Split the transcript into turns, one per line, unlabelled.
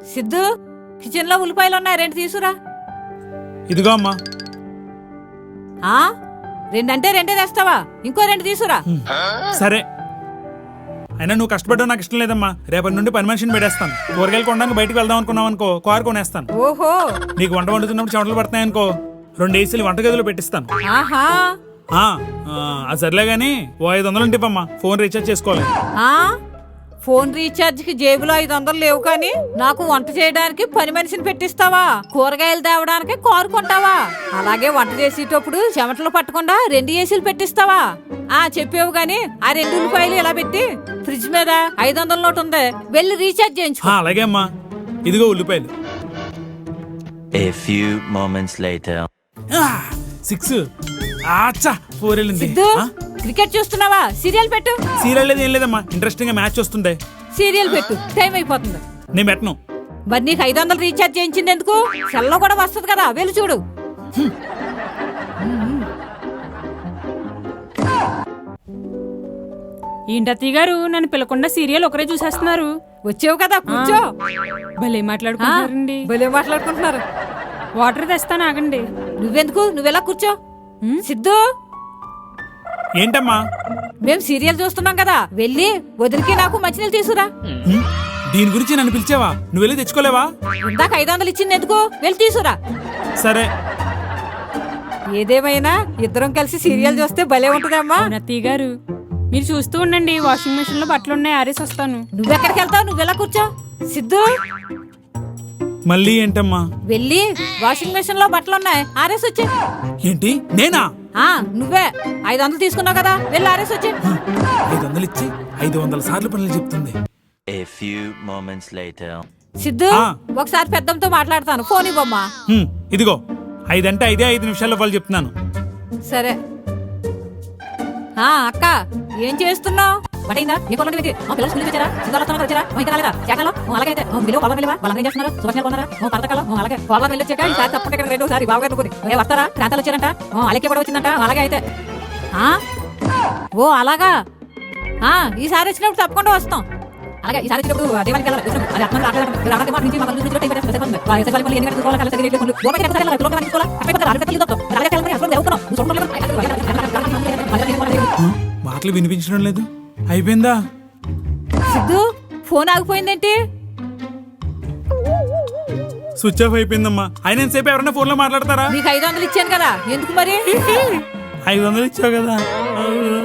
Siddhu, kitchen లో ఉల్లిపాయలు ఉన్నాయి, 2 తీసురా.
ఇదిగో అమ్మా.
ఆ 2 అంటే 2 తెస్తావా? ఇంకో 2 తీసురా.
సరే, అయినా నువ్వు కష్టపడ్డావు నాకు ఇష్టం లేదమ్మా. రేపటి నుండి పని మనిషిని పెట్టేస్తాను. కూరగాయలు కొనడానికి బయటకు వెళ్దాం అనుకున్నావు అనుకో, కారు కొనేస్తాను.
ఓహో,
నీకు వంట వండుతున్నప్పుడు చెమటలు పడతాయనుకో, 2 ఏసీలు వంటగదిలో పెట్టిస్తాను.
ఆహా.
అది సర్లే గానీ ఓ 500 ఉంటిపమ్మా, ఫోన్ రీఛార్జ్ చేసుకోవాలి.
ఫోన్ రీఛార్జ్ కి జేబులో 500 లేవు కానీ నాకు వంట చేయడానికి పని మనిషిని పెట్టిస్తావా? కూరగాయలు తేవడానికి కారు కొంటావా? అలాగే వంట చేసేటప్పుడు చెమటలు పట్టకుండా 2 ఏసీలు పెట్టిస్తావా? చెప్పావు గాని ఆ 2 ఉల్లిపాయలు ఇలా పెట్టి ఫ్రిడ్జ్ మీద 500 నోటు ఉంది, వెళ్ళి రీఛార్జ్ చేయించు.
అలాగే అమ్మా, ఇదిగో ఉల్లిపాయలు.
A few moments later.
6 ఆచ్చా 4 వెళ్ళింది.
సిద్ధు, క్రికెట్ చూస్తున్నావా? సీరియల్ పెట్టు.
సీరియల్ లేదు, ఏం లేదమ్మా, ఇంట్రెస్టింగ్ గా మ్యాచ్ వస్తుంది.
సీరియల్ పెట్టు, టైం అయిపోతుంది.
నేను పెట్టను.
మరి నీకు 500 రీఛార్జ్ చేయించింది ఎందుకు? సెల్లో కూడా వస్తుంది కదా, వెళ్ళి చూడు.
ఏంటత్తయ్య గారు, నన్ను పిలకుండా సీరియల్ ఒకరే చూసేస్తున్నారు.
వచ్చావు కదా, కూర్చో.
భలే మాట్లాడుకుంటున్నారండి.
భలే మాట్లాడుకుంటున్నారు.
వాటర్ తెస్తాను, ఆగండి.
నువ్వెందుకు, నువ్వెలా కూర్చో. సిద్ధు,
ఏంటమ్మా?
మేము సీరియల్ చూస్తున్నాం కదా, వెళ్ళి వదిలికి నాకు మంచినీళ్ళు తీసుకురా.
దీని గురించి నన్ను పిలిచావా? నువ్వు వెళ్ళి తెచ్చుకోలేవా?
ఇందాక 500 ఇచ్చింది ఎందుకు? వెళ్ళి తీసుకురా.
సరే.
ఏదేమైనా ఇద్దరం కలిసి సీరియల్ చూస్తే భలే ఉంటుందమ్మా.
అత్తయ్య గారు, మీరు చూస్తూ ఉండండి, వాషింగ్ మెషిన్ లో బట్టలు ఉన్నాయి, ఆరేసి వస్తాను.
నువ్వెక్కడికి వెళ్తావు? నువ్వెలా కూర్చో. సిద్ధు,
మళ్ళీ ఏంటమ్మా?
వెళ్ళి వాషింగ్ మెషిన్ లో బట్టలు ఉన్నాయి, ఆరేసి వచ్చే.
ఏంటి, నేనా?
నువ్వే 500 తీసుకున్నావు కదా, వెళ్ళి ఆరేసి వచ్చే.
500 ఇచ్చి 500 సార్లు పనులు చెప్తుంది.
A few moments later.
Siddhu, ఒకసారి పెద్దంతో మాట్లాడతాను, ఫోన్ ఇవ్వమ్మా.
ఇదిగో, 5 అంటే 5 నిమిషాల్లో వాళ్ళు చెప్తున్నాను.
సరే. అక్క, ఏం చేస్తున్నావు? బటైందా? ఏ పొలం పెట్టి పిల్లలు స్కూల్కి వచ్చారా? సిద్ధార్థ వచ్చారా? ఇంకా రాలేదా? చేతలో అలాగే అయితే బిలో పొలం వెళ్ళివా? వాళ్ళని ఏం చేస్తున్నారు? సుభాష్ కొన్నారా? పథకాలు అలాగే పొలం వెళ్ళి వచ్చాక ఈసారి తప్పక ఇక్కడ 2సారి బాగా అనుకుని వస్తారా? ప్రాంతాలు వచ్చారంట, అలెక్కి కూడా వచ్చిందంట. అలాగే అయితే ఓ అలాగా. ఈసారి వచ్చినప్పుడు తప్పకుండా వస్తాం. అలాగే ఈసారి వచ్చినప్పుడు దేవానికి వెళ్ళాలి. అది అర్థం
మాటలు వినిపించడం లేదు. అయిపోయిందా?
సిద్ధు, ఫోన్ ఆగిపోయిందేంటి?
స్విచ్ ఆఫ్ అయిపోయిందమ్మా. ఆయన ఎంతసేపు ఎవరైనా ఫోన్ లో మాట్లాడతారా?
నీకు 500 ఇచ్చాను కదా, ఎందుకు మరి?
500 ఇచ్చావు కదా.